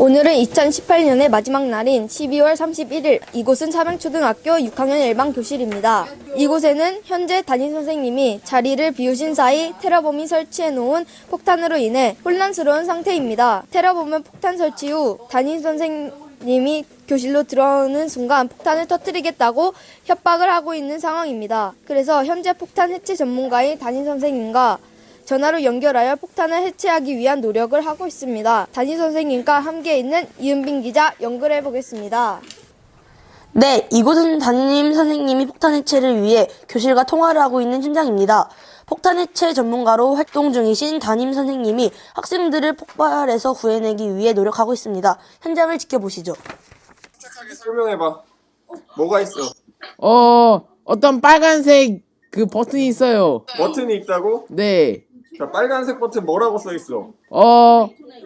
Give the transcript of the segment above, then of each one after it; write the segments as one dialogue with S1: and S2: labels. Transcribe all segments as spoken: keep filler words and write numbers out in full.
S1: 오늘은 이천십팔 년의 마지막 날인 십이월 삼십일일, 이곳은 삼양초등학교 육 학년 일반 교실입니다. 이곳에는 현재 담임선생님이 자리를 비우신 사이 테러범이 설치해놓은 폭탄으로 인해 혼란스러운 상태입니다. 테러범은 폭탄 설치 후 담임선생님이 교실로 들어오는 순간 폭탄을 터뜨리겠다고 협박을 하고 있는 상황입니다. 그래서 현재 폭탄 해체 전문가인 담임선생님과 전화로 연결하여 폭탄을 해체하기 위한 노력을 하고 있습니다. 담임선생님과 함께 있는 이은빈 기자 연결해 보겠습니다.
S2: 네, 이곳은 담임 선생님이 폭탄 해체를 위해 교실과 통화를 하고 있는 현장입니다. 폭탄 해체 전문가로 활동 중이신 담임 선생님이 학생들을 폭발에서 구해내기 위해 노력하고 있습니다. 현장을 지켜보시죠.
S3: 착하게 설명해봐. 뭐가 있어?
S4: 어, 어떤 빨간색 그 버튼이 있어요.
S3: 버튼이 있다고?
S4: 네.
S3: 자, 빨간색 버튼 뭐라고 써있어?
S4: 어,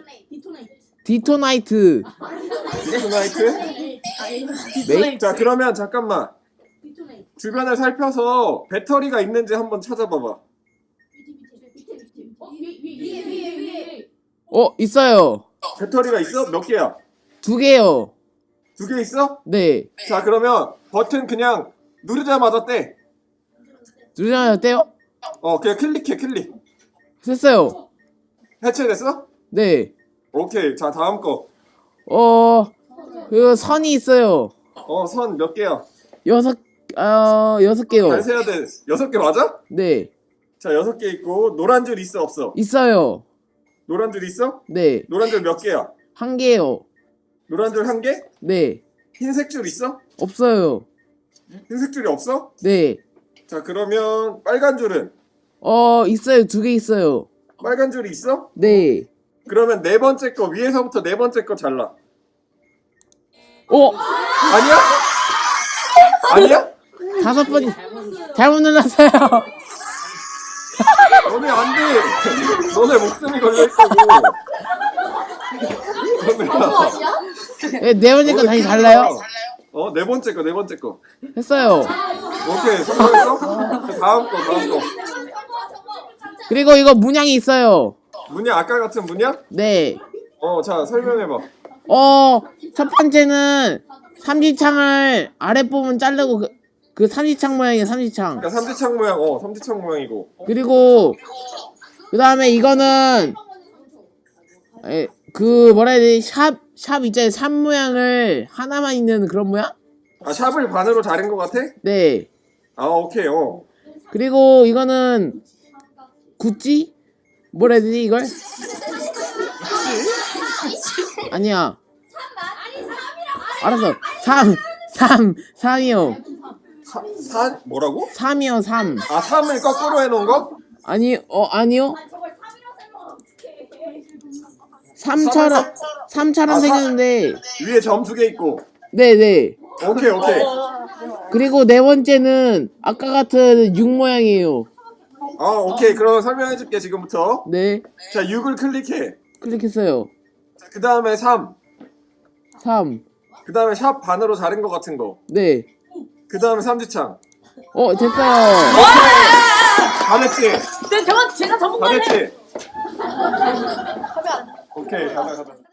S4: 디토나이트.
S3: 디토나이트?
S4: 네?
S3: 자, 그러면 잠깐만. 주변을 살펴서 배터리가 있는지 한번 찾아봐봐.
S4: 어, 있어요.
S3: 배터리가 있어? 몇 개야?
S4: 두 개요.
S3: 두 개 있어?
S4: 네.
S3: 자, 그러면 버튼 그냥 누르자마자 떼.
S4: 누르면 떼요?
S3: 어, 그냥 클릭해, 클릭.
S4: 됐어요.
S3: 해체됐어?
S4: 네.
S3: 오케이. 자, 다음 거.
S4: 어, 그 선이 있어요.
S3: 어, 선 몇 개야?
S4: 여섯, 어, 여섯 개요.
S3: 잘 세야 돼. 여섯 개 맞아?
S4: 네.
S3: 자, 여섯 개 있고, 노란 줄 있어, 없어?
S4: 있어요.
S3: 노란 줄 있어?
S4: 네.
S3: 노란 줄 몇 개야?
S4: 한 개요.
S3: 노란 줄 한 개?
S4: 네.
S3: 흰색 줄 있어?
S4: 없어요.
S3: 흰색 줄이 없어?
S4: 네.
S3: 자, 그러면 빨간 줄은?
S4: 어, 있어요. 두 개 있어요.
S3: 빨간 줄이 있어?
S4: 네.
S3: 그러면 네 번째 거, 위에서부터 네 번째 거 잘라.
S4: 어,
S3: 아니야? 아니야?
S4: 다섯 번이 잘못 눌렀어요.
S3: 너네 안 돼. 너네 목숨이 걸려있다고. 너네야.
S4: 네, 네 번째 거 다시 달라요?
S3: 어, 네 번째 거, 네 번째 거.
S4: 했어요.
S3: 오케이, 성공했어? 자, 다음 거, 다음 거.
S4: 그리고 이거 문양이 있어요.
S3: 문양, 아까 같은 문양?
S4: 네.
S3: 어, 자, 설명해봐.
S4: 어, 첫 번째는 삼지창을 아랫부분 자르고 그, 그 삼지창 모양이에요, 삼지창.
S3: 그러니까 삼지창 모양, 어, 삼지창 모양이고.
S4: 그리고 그 다음에 이거는 에, 그 뭐라 해야 되지? 샵, 샵 있잖아요. 샵 모양을 하나만 있는 그런 모양?
S3: 아, 샵을 반으로 자른 거 같아?
S4: 네.
S3: 아, 오케이, 어.
S4: 그리고 이거는 구찌? 뭐라 해야 되지 이걸? 아니야. 알았어. 삼, 삼, 삼이요.
S3: 사, 사, 뭐라고?
S4: 삼이요, 삼.
S3: 아, 삼을 거꾸로 해놓은 거?
S4: 아니, 어, 아니요. 삼처럼, 삼처럼
S3: 아, 사-
S4: 생겼는데,
S3: 위에 점 두 개 있고.
S4: 네네.
S3: 오케이, 오케이.
S4: 그리고 네 번째는 아까 같은 육 모양이에요.
S3: 아, 오케이. 그럼 설명해줄게, 지금부터.
S4: 네.
S3: 자, 육을 클릭해.
S4: 클릭했어요.
S3: 그 다음에 삼.
S4: 삼.
S3: 그 다음에 샵 반으로 자른 거 같은 거.
S4: 네.
S3: 그 다음에 삼지창.
S4: 어, 됐어요.
S3: 다 됐지?
S5: 제가 제가
S3: 다
S5: 전문가네.
S3: 됐지? 오케이, 가자, 가자.